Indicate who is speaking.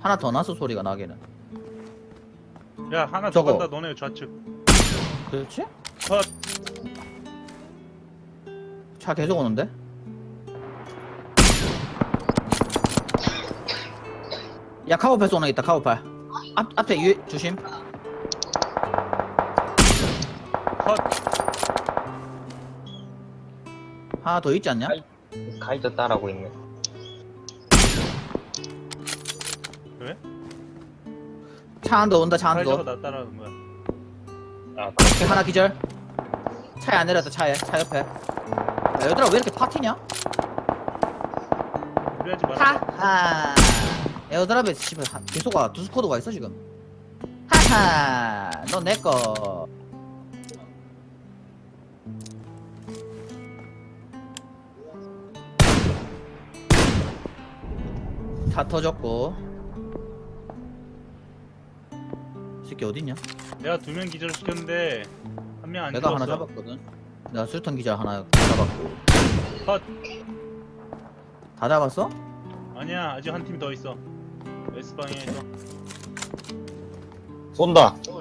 Speaker 1: 하나 더 났어 소리가 나기는.
Speaker 2: 야 하나 더
Speaker 1: 저거.
Speaker 2: 간다. 너네 좌측.
Speaker 1: 그렇지?
Speaker 2: 컷.
Speaker 1: 차 계속 오는데? 야 카우팔 쏘는 애 있다. 카우팔 앞에 조심.
Speaker 2: 컷.
Speaker 1: 하나 더 있지 않냐?
Speaker 3: 가이드 따라고 있네.
Speaker 2: 왜?
Speaker 1: 차 한 더 온다. 차 한
Speaker 2: 사이저가
Speaker 1: 더.
Speaker 2: 나 따라하는 거야.
Speaker 3: 아,
Speaker 1: 오케이, 하나 기절. 차에 안 내렸다. 차에 차 옆에. 야, 얘들아 왜 이렇게 파티냐?
Speaker 2: 그래야지 말아.
Speaker 1: 하하. 에어드랍에 씨발 계속아 두 스쿼드가 있어 지금. 하하. 너 내 거. 다 터졌고. 이 새끼 어딨냐?
Speaker 2: 내가 2명 기절 시켰는데 한 명 안
Speaker 1: 내가
Speaker 2: 죽었어.
Speaker 1: 하나 잡았거든. 내가 술탄 기자 하나 잡았고.
Speaker 2: 컷.
Speaker 1: 다 잡았어?
Speaker 2: 아니야 아직 한 팀 더 있어. S방향에서.
Speaker 3: 쏜다.